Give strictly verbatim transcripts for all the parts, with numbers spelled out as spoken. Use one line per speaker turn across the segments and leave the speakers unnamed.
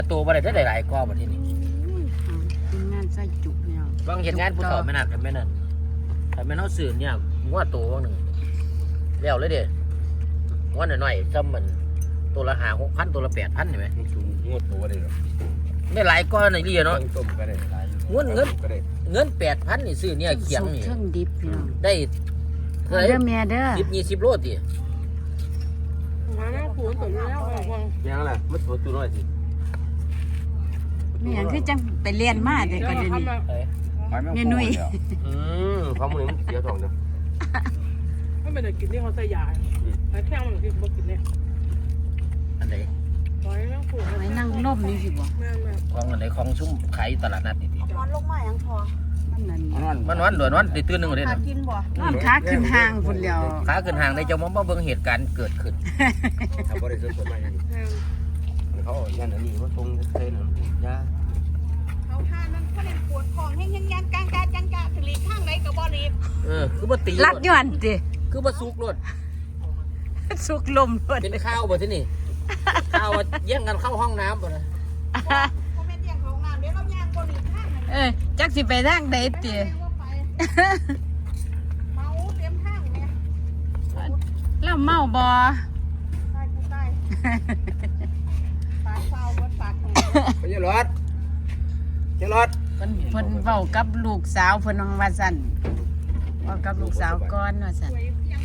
ตัวบ่ได้ได้หลายกว่าบ่ที่นี่
เป็นงานใส่จุกเนี่ย
บางเห็นงานผู้เฒ่าไม่นักกันแม่นั่นถ้าแม่นเฮาซื้อเนี่ยงัวตัวนึงแล้วเลยเด้งัวน้อยๆซ้ำมันตัวละห้า หกพันตัวละแปดพันนี่แหม
มันสูงงวดตัวได้หรอ
ได้หลายกว่าในนี่เนาะ
ต้มก็ได้หลาย
เงินเงิน
ก็ได้
เงินแปดพันนี่ซื้อเนี่ยเขียงนี่
เครื่องดิบพี่น้อง
ได้
เด้อแม่เด้อ
สิบยี่สิบโลติ
มาแล้วผูนตัวนี้แล้วฟัง
ยังล่ะมันตัวตัวน้อยสิ
แม่หยังคือจังไปเรียนมาแต่ก่อนเดี๋ยวนี้ แม่นุ้ย
อืมเขามือมันเสียทองเนาะ
ไม่เป็นไรกินที่เขาใส่ยาไอ้แข้งมันที่เขากินเนี่ย
อันไหน
ไว้นั่งผูน
ไว้นั่งล่มนี่สิบ่
แม่แม่
ของอันไหนของชุ่มขายตลาดนัดนี่ติ
นอนลงมาอย่างพอ
มันนั่น
มันวันด่วนวันติตื่นหนึงเลย
หา
นะ
กินบ่
นอนขาขึ้นห้างพุ่นแล้ว
ขาขึ้นห่างได้เจ้ามาเบิ่งเหตุการณ์เกิดขึ้น
ทำบริสุทธิ์สมัยนี้
แม่
เขาย่านอันนี้ว่าตรงเคยหนึ่งยา
เขาทานมันเขาเล่นปวดของแห้งยังยังกางกาจังกาถึงลีข้างไหนก็บ่รีบ
เออคือบ่ตี
ลัดย้อนติ
คือบ่สุกรถ
สุกลมรถ
เป็นข้าวบ่ที่นี่ข้าวว่าแย่งกันเข้าห้องน้ำบ่นะ
เขาเป็นอย่างของงานเดี๋ยวเราย่างบ่รีบข้างไหน
เออจักสิไปทางใดติ
ว่าไปเมาเต็มข้างเนี่ย
แล้วเมาบ่
ตายกูตายปากเฝ้าบนปากของ
ไม่ใช่รถใช่รถ
เพิ่นเพิ่นเว้ากับลูกสาวเพิ่นว่าซั่นเว้ากับลูกสาวก่อนว่าซั่น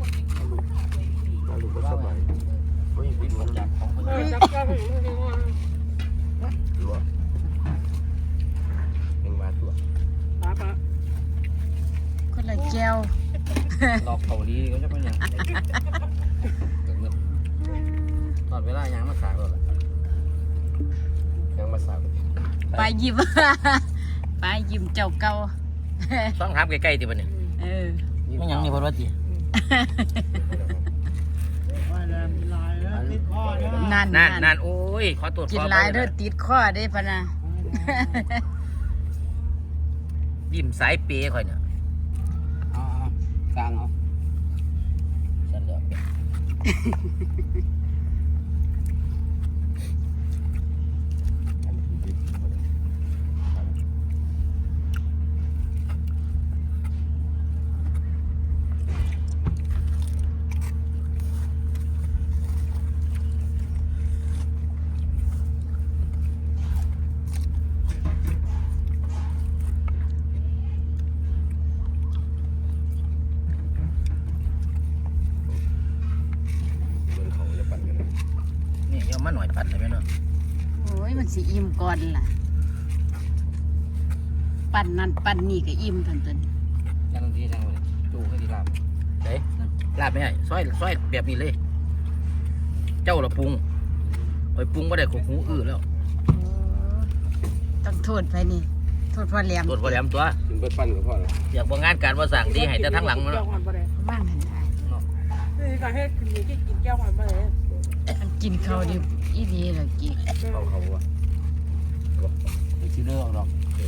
ลูกก็สบายไม่ปิดมันจับของมัน
เออจับจับถึงถึงว่า
ตัวยังมาตัว
ป้าป้า
คนละแก้ว
รอบเกาหลีก็จะเป็นอย่างตอนเวลายังมาสากแล้วล่ะ
ยังมาสาว
ไปยิ้ม ไปยิ้มเจ้าเก่า
ต้องถามใกล้ๆติบัดนี้
เออ
ไม่หยังนี่เพิ่นว่าติ
นั่น
นั่น
นั่
นั่
น
นโอ้ยขอตรวจ
กิน
สอบ
หลายเด้อติดคอได้พะนะ
ยิ้มสายเปย์ข่อยเนี่ย
อ๋อกลางเอา
ฉันเดี๋ยว
เหมือนเขาจะปั่นกันนะ
นี่เดี๋ยวมาหน่อยปัดเลยไหมเนาะ
โอ้ยมันสิอิ่มก่อนล่ะ ปั่นนั่นปั่นนี่ก็อิ่มทันตัน
จังทีจังเลยจูให้ดีลาบเด้ลาบไม่ให้ซอยซอยแบบนี้เลย เจ้าละปรุงไปปรุงก็ได้ขบหูอื้อแล้ว
ต้องโทษไปนี่ โทษพ่อแหลม
ตรวจพอแหลมตัว
ถึงไปปั่นกับพ่อเลย
อยากบ่งานการว่าสั่งดีให้แต่ทั้งหลังมัน
แก้วหวานไปเลย
ว่างหันได้
นี่การให้กินที่กินแก้วหวานไปเลย
มันกินข้าวดิบอีดีเหรอกี่
เขาเขาว่า
ไปซื้อเรื่องดอก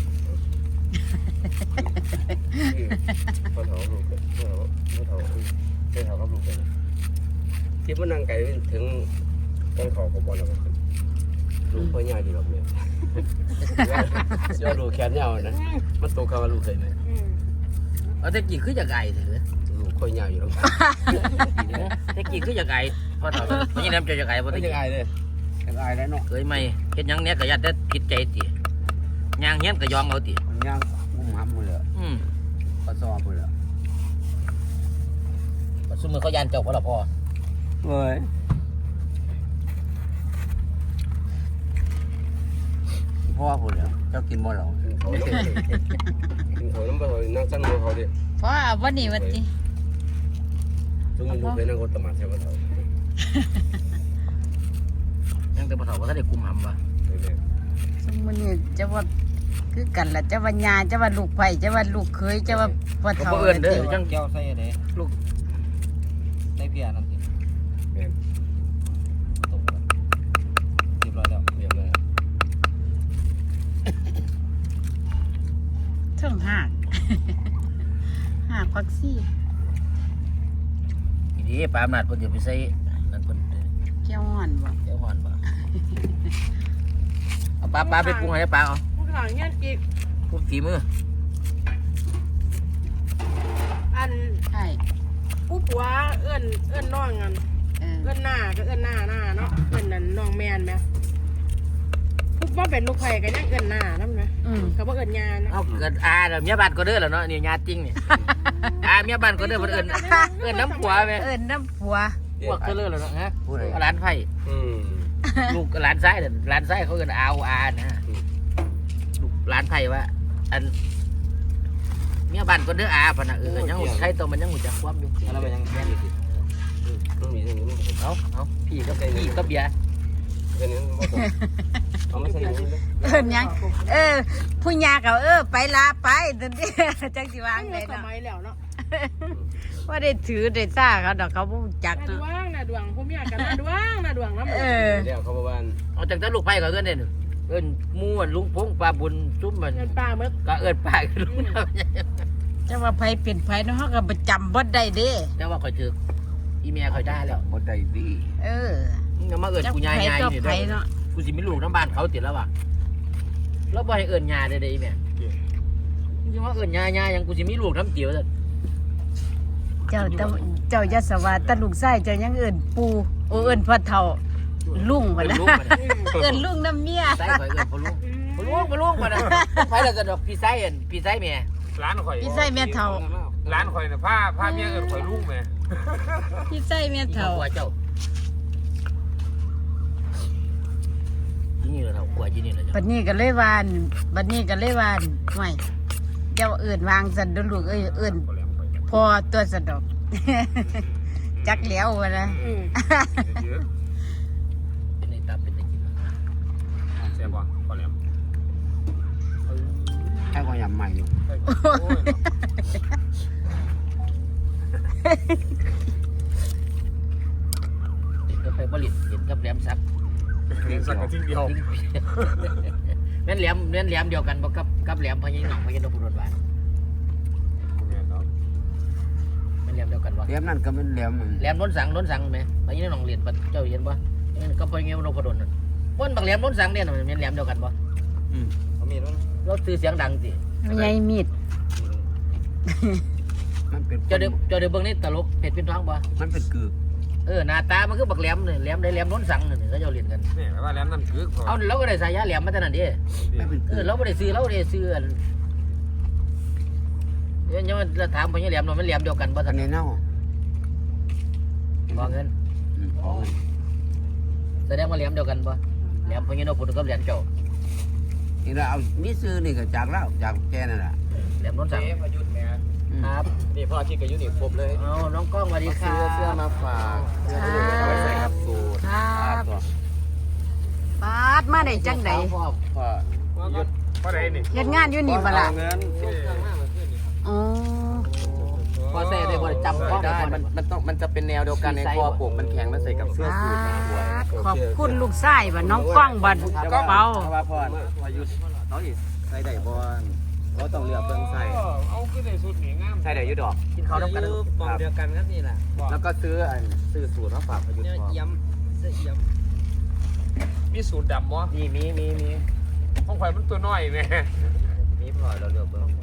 พ่อเฒ่าลูกพ่อพ่อเฒ่าใช่เฒ่ากับลูกเลยที่มันนั่งไกลถึงต้นเขาก็บอลแล้วก็ขึ้นลูกพ่อใหญ่ดีหรอกเนี่ยเสื้อลูกแขนยาวนะมันโตกับลูกเคยไหม
เอาแต่กี่คือจากไก่เถอะ
ลูกค่อยยาวอยู่หรอก
แต่กี่คือจากไก่พอถอดไม่ใช่น้ำเจ้าจากไก่พอ
ไม่
ตะ
จะ
กี้
อายเลยจะอายแล้วเนาะ
เคยไหมเฮ็ดหยังเนี้ยก็ยัดแต่ผิดใจติย่างเฮียนก็ยองเอาติ
มันย่างมุมห้ำหมดเลย
อืม
ก็ซ้อมหมดเลย
ซุมือเขายานเจ้าบ่ล่ะพ่อ
เว้ยพ่อพูดเลยเจ้ากินบ่หรอกินเขาน้ำกินเขาน้ำไปเลยนั่งสั่งมือเขาดิ
เพราะวันนี้วันที่
ซึ่งมันดูเป็นนั่งรถตมาใช่ไหมเขา
ยังแต่บ่เฒ่าบ่ทันได้กุมหำว่ะ
สมมุตินี่จะว่าคือกันล่ะจะว่าญาจะว่าลูกไผ่จะว่าลูกเคยจะว่าพ่อ
เขา
เฒ่า
บ่เอิ้นเด้อจัง
เจ้าใส่เด้ลูกใส่เพียนั่นสิ
แม่
ตกแล้วเรียบร้อยแล้ว
เรียบเลย
เทิงหาก หากพักซี่
อีดีปลาอำนาจเพิ่นจะไปใส่นั่นเพิ่น
แก้วห่อนบ่
เดี๋ยวฮ้อนบ่เอาปลาปลาไปปรุงให้ปลาเอา
ข้างหลังเงี้ยอีก
ปรุงฝีมือ
อัน
ใช่
ผู้ผัวเอื้อนเอื้อนน้องกัน
เออ
เอื้อนหน้าก็เอื้อนหน้าหน้าเนาะเอื้อนนั่นน้องแมนไหมผู้ว่าเป็นลูกไผ่กันยังเอื้อนหน้านั่นไหม
อืม
เขาบอกเอื้อนยานะ
เอาเกิดอาเดี๋ยวเมียบ้านก็เด้อแล้วเนาะนี่ญาติจริงนี่อาเมียบ้านก็เด้อเพิ่นเอิ้นเอิ้นน้ำผัวแม่
เอิ้นน้ำผัว
พวกก็เด้อแล้วเนาะฮะ
ผู้ใด
ร้านไผ่
อืม
ลูกหลานซ้ายนั่นหลานซ้ายเขาเอิ้นอาวอานะลูกหลานไผ่ว่าอันเมียบ้านก็เด้ออาพะนะเออยังหูใครตัวมันยังหูจักความอยู่
แล้วไปยังแม่นอยู่สิ
ต้องมีเรื่องนี้มัน
เอาเอาพี่กับพี่กับเบียร์
เรื่องนี้มันบ่ตรงเอาไม่ใช่อย่างนี้เลย
เอิ้นหยังเออผู้ยาก็เออไปลาไปนั่นเด้จังสิวาง
ตั้ง
ได้
แต่ส
เนาะ
มัยแล้วเนาะ
ว่าได้ถือได้ซ่าเขาดอกเขาบ่รู้จัก
นาด
เนาะ
วงนาดวงผู้มีอาการนาดวงนาดวงน้ำ
เออ
เดี๋ยวเขาบอกว่า
เอาจากแต่ลูกไผ่ก็เอิ้นเด้อเอิ้นหมู่ลุงพงปลาบุญซุ่มมัน
เงินปลาเมื่อ
ก็เอิ้นปลาลุง
จะว่าไผเป็นไผเนาะเฮาก็ประจำบ่ได้เด้
แต่ว่าข่อยถึกอีเมียข่อยได้แล้ว
บ่ได้ดี
เออ
มึงอย่ามาเอิ้นกูยายยาย
จัก
นี่
ไผ
เด้อ
เนาะ
กูสิมีลูกน้ำบ้านเขาติดแล้วว่ะแล้วบ่ให้เอิ้นยาได้ได้อีแม่มึงสิมาเอิ้นยายายังกูสิมีลูกน้ำเตี๋ยวซะ
เจ้าตะเจ้ายศวาตะลูกชายเจ้ายังเอิ้นปู่โอเอิ้นพ่อเฒ่าลุงบ่
เอิ้น
นะ
ลุงมาเนี่ย
เอิ้นลุงน้ำเมีย
ไส้ข่อยเอิ้นพ่อลุงพ่อลุงพ่อลุงมาเนี่ยไผแล้วก็ดอกพี่ไส้เอิ้นพี่ไส้แม่
ร้านข่อย
พี่ชายแม่เฒ่า
ร้านข่อยน่ะผ้าผ้าเมียเอิ้นข่อยลุงแหม่
พี่ชายแม่
ที่
เฒ่า
เขากลัวเจ้าที่นี่เหรอเฒ่ากลัวที่นี่เหรอ
บั
เจ้า
ดนี้ก็เลยว่าอั่นบัดนี้ก็เลยว่าอั่นห่วยเจ้าเอิ้นวางซั่นเด้อลูกเอ้ยเอิ้นพอตัวสะดอก จักแล้ววะนะ
อืม
เยอะ
เป็นในตับเป็นในกิน
แซ่บบ่พอแล้ว
แค่ความยำใหม่อยู่
โอ้ย
เห็นก็ไปผลิตเห็นกับแหลมซัก
เลี้ยงสักกะทิ้งเดียว
แม่นแหลมแม่นแหลมเดียวกันบ่กับกับแหลมพญาหนองพญานพดลหวาน
แม่นเนาะ
แม่นแหลมเดียวกันบ่
เลี้ยมนั่นก็เป็นเลี้ยม
แหลมล้นสังล้นสังไหมพญาหนองเรียนปะเจ้าเห็นบ่นั่นก็พญานพดลนั่นบ่นบักแหลมล้นสังเนี่ยน่ะแม่นแหลมเดียวกันบ่
เขามีแล้ว
เราซื้อเสียงดังสิ
ไม่ใหญ่มีด
มันเป็น
เจ้าเดี๋ยวเจ้าเดี๋ยวเบิ่งนี่ตลกเผ็ดเป็นท้องบ่
มันเป็นกึก
เออหน้าตามันคือบักแหลมนี่แหลมได้แหลมล้นสังนี่เขาเจ้าเรียนกัน
นี่ว่าแล้วนั่นคือ
เอาเราก็ได้สายาแหลมมาแต่นั้นดิ
มันเป็น
เอก
ึ
อก เราบ่ได้ซื้อเราได้ซื้ออันเนี่ยยังเราถามพญาแหลมว่ามันแหลมเดียวกันบ่
อั
ท่าน น
นี้เน่า
บ่เงิน
อืมของ
แสดงว่าแหลมเดียวกันบ่แหลมพญานพดลกับแหลมเจ้า
นี่เราเอามีซื้อนี่ก็จากแล้วจากแกนั่นแหละ
แหลมล้นสัง
เจ๊พยุทธ์แม่
ครับ
นี่พ่อที่กับยุทธ์นี่ครบเลย
เอาน้องกล้องสวัสดีครั
ซื้อเสื้อบ มาฝากเสื้อที่เอาไว้ใส่ครับสูท
ครับ
ตัว
ปาดมาได้จังได๋
พ่อ
พ่อยุทธ์
พอได้นี่
เฮ็ดงานอยู่นี่บ่ล่ะ
เอาเงินส่งเครื่องมาเมื่อคืนนี่
อ๋อ
พ่อเซ่ได้บ่ได้จำพ่อได้
ได้มันมันต้องมันจะเป็นแนวเดียวกันในคอปกมันแข็งมันใส่กับเสื้อ
ปา
สูทมันสวย
ดขอบคุณลูกชายบ่น้องกล้องบ่ก็เปา
เพราะว่าพ่อพ่อยุทธ์น้องอีใส่ได้บอลเราต้องเลือกเบิ่งใส่
เอาขึ้นในสุดนี่งาม
ใส่ได้อยุดอก
กินข้าวน้ำกัน
มองเดียวกันครับนี่แหละแล้วก็ซื้ออันซื้อสูตรมาฝากพยุทธ์พ่อ
ย้ำเสื้อย้ำมีสูตรดำบ่
มีมีมีมี
ของข่อยมันตัวน้อยแม่
มีพอเราเลือกเบิ่ง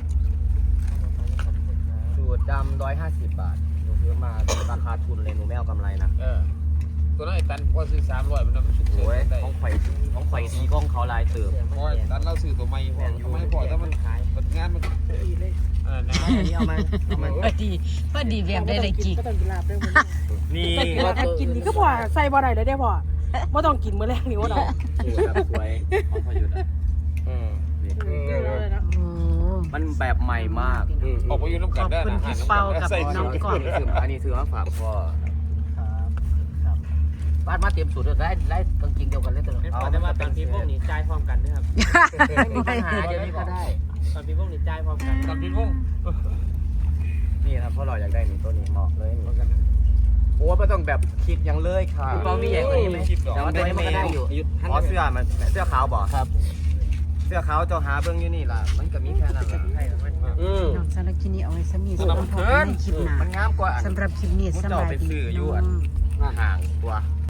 สูตรดำร้อยห้าสิบบาทหนูซื้อมาราคาทุนเลยหนูไม่เอากำไรนะ
เออตัวน้อยตันพอซื้อสามร้อยมันมันสุด
โอ้ย
ได้
ของข่อยของข่อยดีกล้องเขาลายเติม
พอตันเราซื้อตัวใหม่พอทำไมพอถ้ามันขายเปิดงานมันเออนะ
อันนี้เอามาเอามา
พอดีพอดีแบบได้ได้กิน
ก็ต้องกินลาบด้วยมื้อ
นี่
นี้กินนี่ก็พอใส่บ่ได้เลยได้พอบ่ต้องกินมื้อแรกนี่ว่าดอก
คือแบบสวยของพยุทธ์อ่ะอืมนี่
เลยนะ
โอ้
มันแบบใหม่มาก
ออกไปอยู่น้ำ
ข
กัน
อบ
ได้
คุณ
นะ
พี่เปากับน้องกล้อง
อันนี้ซื้ออันนี้ซื้อมาฝากพ่อ
บ้านมาเตรียมสูตรได้ได้กางเกงเดียวกันเลยตลอด
เอาได้มาตอนพี่พวกนี้จ่ายพร้อมกันด้วยครับ
ไม่มีปัญหาเดี๋ยวนี้ก็ได้
ตอนพี่พวกนี้จ่ายพร้อมกัน
ตอนพี่พง
นี่ครับเพราะเราอยากได้นี่ตัวนี้เหมาะเลยนี่โอ้ไม่ต้องแบบคิดยังเลยค่ะ
คุณเปามีใหญ่กว่านี้ไหม
แต่ว่าตัวนี้มันก็ได้อยู่อ๋อเสื้อมันเสื้อขาวบ่
ครับ
เสื้อขาวเจ้าหาเบิ่งอยู่นี่ล่ะมันก็มีแค่นั้นล่ะอืม
น้องสารบคลิปนี้เอาไว้สำนีสำหรับพอกันในคลิปหน้า
มันงามกว่าอัน
สำหรับคลิปนี้สำหรับดี
ห่างกว่า